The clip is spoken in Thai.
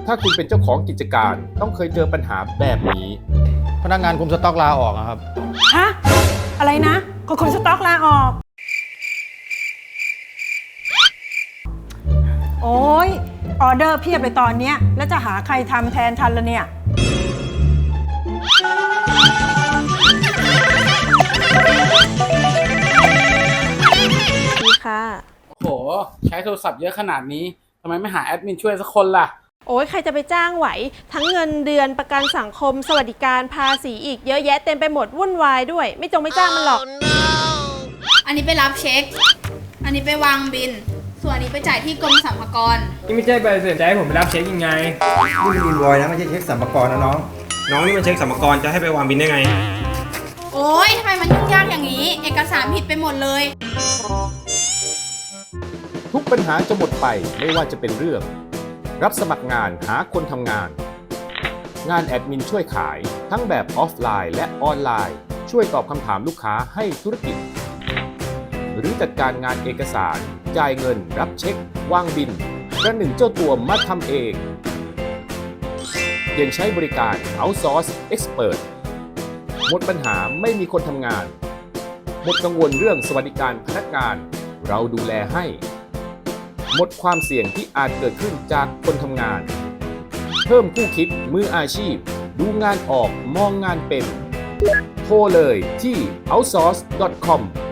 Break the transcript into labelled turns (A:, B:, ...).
A: ถ้าคุณเป็นเจ้าของกิจการต้องเคยเจอปัญหาแบบนี้
B: พนักงานคุมสต็อกลาออกครับ
C: ฮะ อะไรนะคนสต็อกลาออก โอ้ยออเดอร์เพียบเลยตอนเนี้ยแล้วจะหาใครทำแทนทันละเนี่ย
D: ดีค่ะ
E: โห ใช้โทรศัพท์เยอะขนาดนี้ ทำไมไม่หาแอดมินช่วยสักคนล่ะ
D: โอ้ยใครจะไปจ้างไหว ทั้งเงินเดือนประกันสังคมสวัสดิการภาษีอีกเยอะแยะเต็มไปหมดวุ่นวายด้วย ไม่จ้างมันหรอก
F: อันนี้ไปรับเช็ค อันนี้ไปวางบิน ส่วนอันนี้ไปจ่ายที่กรมสรรพากร
G: นี่ไม่ใช่ใบเสร็จจะให้ผมไปรับเช็คยังไง
H: นี่มันอินวอยนะไม่ใช่เช็คสรรพากรนะน้อง
G: น้องนี่มันเช็คสรรพากรจะให้ไปวางบินได้ไง
F: โอ้ยทำไมมันยุ่งยากอย่างนี้ เอกสารผิดไปหมดเลย
A: ทุกปัญหาจะหมดไปไม่ว่าจะเป็นเรื่อง รับสมัครงานหาคนทำงาน งานแอดมินช่วยขายทั้งแบบออฟไลน์และออนไลน์ ช่วยตอบคำถามลูกค้าให้ธุรกิจ หรือจัดการงานเอกสาร จ่ายเงิน รับเช็ค วางบินประหนึ่งเจ้าตัวมาทำเองยังใช้บริการ Outsource Expert หมดปัญหาไม่มีคนทำงาน หมดกังวลเรื่องสวัสดิการพนักงาน เราดูแลให้ หมดความเสี่ยงที่อาจเกิดขึ้นจากคนทำงาน เพิ่มผู้คิดมืออาชีพ ดูงานออกมองงานเป็น โทรเลยที่ outsource.com